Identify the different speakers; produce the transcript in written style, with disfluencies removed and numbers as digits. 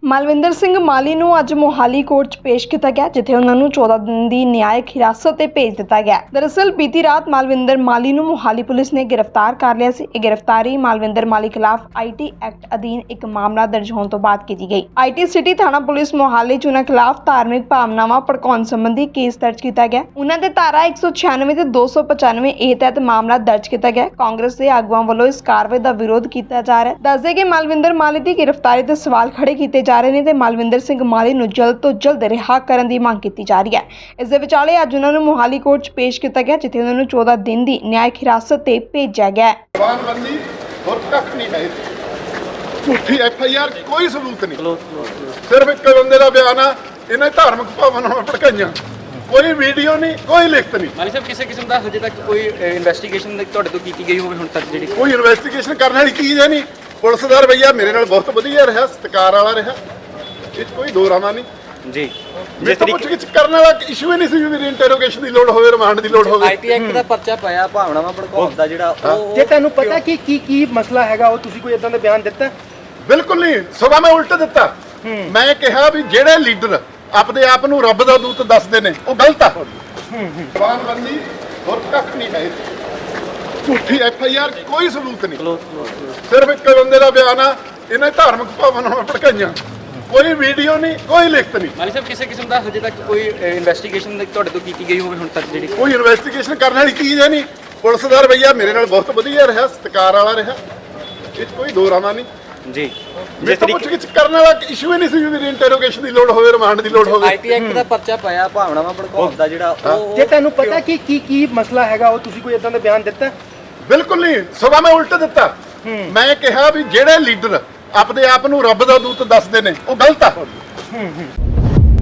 Speaker 1: ਮਲਵਿੰਦਰ ਸਿੰਘ ਮਾਲੀ ਨੂੰ ਅੱਜ ਮੋਹਾਲੀ ਕੋਰਟ 'ਚ ਪੇਸ਼ ਕੀਤਾ ਗਿਆ, ਜਿੱਥੇ ਉਹਨਾਂ ਨੂੰ 14 ਦਿਨ ਦੀ ਨਿਆਇਕ ਹਿਰਾਸਤ ਤੇ ਭੇਜ ਦਿੱਤਾ ਗਿਆ। ਦਰਅਸਲ ਬੀਤੀ ਰਾਤ ਮਲਵਿੰਦਰ ਮਾਲੀ ਨੂੰ ਮੋਹਾਲੀ ਪੁਲਿਸ ਨੇ ਗ੍ਰਿਫਤਾਰ ਕਰ ਲਿਆ ਸੀ। ਇਹ ਗ੍ਰਿਫਤਾਰੀ ਮਲਵਿੰਦਰ ਮਾਲੀ ਖਿਲਾਫ ਆਈਟੀ ਐਕਟ ਅਧੀਨ ਇੱਕ ਮਾਮਲਾ ਦਰਜ ਹੋਣ ਤੋਂ ਬਾਅਦ ਕੀਤੀ ਗਈ। ਆਈਟੀ ਸਿਟੀ ਥਾਣਾ ਪੁਲਿਸ ਮੋਹਾਲੀ 'ਚ ਉਹਨਾਂ ਖਿਲਾਫ ਧਾਰਮਿਕ ਭਾਵਨਾਵਾਂ ਭੜਕਾਉਣ ਸੰਬੰਧੀ ਕੇਸ ਦਰਜ ਕੀਤਾ ਗਿਆ। ਉਹਨਾਂ ਦੇ ਧਾਰਾ 196 ਤੇ 295 ਏ ਤਹਿਤ ਮਾਮਲਾ ਦਰਜ ਕੀਤਾ ਗਿਆ। ਕਾਂਗਰਸ ਦੇ ਆਗੂਆਂ ਵੱਲੋਂ ਇਸ ਕਾਰਵਾਈ ਦਾ ਵਿਰੋਧ ਕੀਤਾ ਜਾ ਰਿਹਾ ਹੈ। ਦੱਸਦੇ ਕਿ ਮਲਵਿੰਦਰ ਮਾਲੀ ਦੀ ਗ੍ਰਿਫਤਾਰੀ ਤੇ ਸਵਾਲ ਖੜੇ ਕੀਤੇ ਜਾ ਰਹੇ ਨੇ ਤੇ ਮਲਵਿੰਦਰ ਸਿੰਘ ਮਾਲੀ ਨੂੰ ਜਲਦ ਤੋਂ ਜਲਦ ਰਿਹਾ ਕਰਨ ਦੀ ਮੰਗ ਕੀਤੀ ਜਾ ਰਹੀ ਹੈ। ਇਸ ਦੇ ਵਿਚਾਲੇ ਅੱਜ ਉਹਨਾਂ ਨੂੰ ਮੋਹਾਲੀ ਕੋਰਟ 'ਚ ਪੇਸ਼ ਕੀਤਾ ਗਿਆ, ਜਿੱਥੇ ਉਹਨਾਂ ਨੂੰ 14 ਦਿਨ ਦੀ ਨਿਆਇਕ ਹਿਰਾਸਤ ਤੇ ਭੇਜਿਆ ਗਿਆ ਹੈ।
Speaker 2: ਜਵਾਨਬੰਦੀ ਹੋਰ ਕੱਖ ਨਹੀਂ ਹੈ। ਝੂਠੀ ਐਫਆਈਆਰ ਕੋਈ ਸਬੂਤ ਨਹੀਂ, ਸਿਰਫ ਇੱਕ ਬੰਦੇ ਦਾ ਬਿਆਨ ਆ। ਇਹਨਾਂ ਧਾਰਮਿਕ ਭਾਵਨਾਵਾਂ ਭੜਕਾਈਆਂ, ਕੋਈ ਵੀਡੀਓ ਨਹੀਂ, ਕੋਈ ਲਿਖਤ ਨਹੀਂ।
Speaker 3: ਮਾਲੀ ਸਾਹਿਬ ਕਿਸੇ ਕਿਸਮ ਦਾ ਹਜੇ ਤੱਕ ਕੋਈ ਇਨਵੈਸਟੀਗੇਸ਼ਨ ਤੁਹਾਡੇ ਤੋਂ ਕੀਤੀ ਗਈ ਹੋਵੇ ਹੁਣ ਤੱਕ? ਜਿਹੜੀ
Speaker 2: ਕੋਈ ਇਨਵੈਸਟੀਗੇਸ਼ਨ ਕਰਨ ਵਾਲੀ ਚੀਜ਼ ਹੈ ਨਹੀਂ। ਪੁਲਿਸ ਦਾ ਰਵੱਈਆ ਮੇਰੇ ਨਾਲ ਬਹੁਤ ਵਧੀਆ ਰਿਹਾ, ਸਤਿਕਾਰ ਵਾਲਾ ਰਿਹਾ। ਇਹ 'ਚ ਕੋਈ ਦੋ ਰਾਮਾ ਨਹੀਂ
Speaker 3: ਜੀ।
Speaker 2: ਜਿਸ ਤਰੀਕੇ ਕਰਨ ਵਾਲਾ ਇਸ਼ੂ ਹੀ ਨਹੀਂ ਸੀ ਵੀ ਮੇਰੀ ਇੰਟਰੋਗੇਸ਼ਨ ਦੀ ਲੋੜ ਹੋਵੇ, ਰਿਮਾਂਡ ਦੀ ਲੋੜ ਹੋਵੇ।
Speaker 3: ਆਈਟੀ ਐਕਟ ਦਾ ਪਰਚਾ ਪਾਇਆ ਭਾਵਨਾਵਾਂ ਭੜਕਾਉਣ ਦਾ ਜਿਹੜਾ ਉਹ
Speaker 4: ਜੇ ਤੁਹਾਨੂੰ ਪਤਾ ਕਿ ਕੀ ਮਸਲਾ ਹੈਗਾ, ਉਹ ਤੁਸੀਂ ਕੋਈ ਇਦਾਂ ਦਾ ਬਿਆਨ ਦਿੱਤਾ?
Speaker 2: ਬਿਲਕੁਲ ਨਹੀਂ, ਸਗੋਂ ਮੈਂ ਉਲਟ ਦਿੱਤਾ। ਮੈਂ ਕਿਹਾ ਵੀ ਜਿਹੜੇ ਲੀਡਰ ਆਪਣੇ ਆਪ ਨੂੰ ਰੱਬ ਦਾ ਦੂਤ ਦੱਸਦੇ ਨੇ ਉਹ ਗਲਤ ਆ। ਜਵਾਨਬੰਦੀ ਹੋਰ ਕੱਖ ਨਹੀਂ ਹੈ। ਝੂਠੀ ਐਫਆਈਆਰ ਕੋਈ ਸਬੂਤ ਨਹੀਂ, ਸਿਰਫ ਇੱਕ ਬੰਦੇ ਦਾ ਬਿਆਨ ਆ। ਇਹਨਾਂ ਧਾਰਮਿਕ ਭਾਵਨਾਵਾਂ ਭੜਕਾਈਆਂ, ਕੋਈ ਵੀਡੀਓ ਨਹੀਂ, ਕੋਈ ਲਿਖਤ ਨਹੀਂ।
Speaker 3: ਮਾਲੀ ਸਾਹਿਬ ਕਿਸੇ ਕਿਸਮ ਦਾ ਹਜੇ ਤੱਕ ਕੋਈ ਇਨਵੈਸਟੀਗੇਸ਼ਨ ਤੁਹਾਡੇ ਤੋਂ ਕੀਤੀ ਗਈ ਹੋਵੇ ਹੁਣ ਤੱਕ? ਜਿਹੜੀ
Speaker 2: ਕੋਈ ਇਨਵੈਸਟੀਗੇਸ਼ਨ ਕਰਨ ਵਾਲੀ ਚੀਜ਼ ਹੈ ਨਹੀਂ। ਪੁਲਿਸ ਦਾ ਰਵੱਈਆ ਮੇਰੇ ਨਾਲ ਬਹੁਤ ਵਧੀਆ ਰਿਹਾ, ਸਤਿਕਾਰ ਵਾਲਾ ਰਿਹਾ। ਇਹ 'ਚ ਕੋਈ ਦੋ ਰਾਮਾ ਨਹੀਂ
Speaker 3: ਜੀ।
Speaker 2: ਜਿਸ ਤਰੀਕੇ ਕਰਨ ਵਾਲਾ ਇਸ਼ੂ ਹੀ ਨਹੀਂ ਸੀ ਵੀ ਮੇਰੀ ਇੰਟਰੋਗੇਸ਼ਨ ਦੀ ਲੋੜ ਹੋਵੇ, ਰਿਮਾਂਡ ਦੀ ਲੋੜ ਹੋਵੇ।
Speaker 3: ਆਈਟੀ ਐਕਟ ਦਾ ਪਰਚਾ ਪਾਇਆ ਭਾਵਨਾਵਾਂ ਭੜਕਾਉਣ ਦਾ ਜਿਹੜਾ ਉਹ
Speaker 4: ਜੇ ਤੁਹਾਨੂੰ ਪਤਾ ਕਿ ਕੀ ਮਸਲਾ ਹੈਗਾ, ਉਹ ਤੁਸੀਂ ਕੋਈ ਇਦਾਂ ਦਾ ਬਿਆਨ ਦਿੱਤਾ?
Speaker 2: ਬਿਲਕੁਲ ਨਹੀਂ, ਸਗੋਂ ਮੈਂ ਉਲਟ ਦਿੱਤਾ। ਮੈਂ ਕਿਹਾ ਵੀ ਜਿਹੜੇ ਲੀਡਰ ਆਪਣੇ ਆਪ ਨੂੰ ਰੱਬ ਦਾ ਦੂਤ ਦੱਸਦੇ ਨੇ ਉਹ ਗਲਤ ਆ।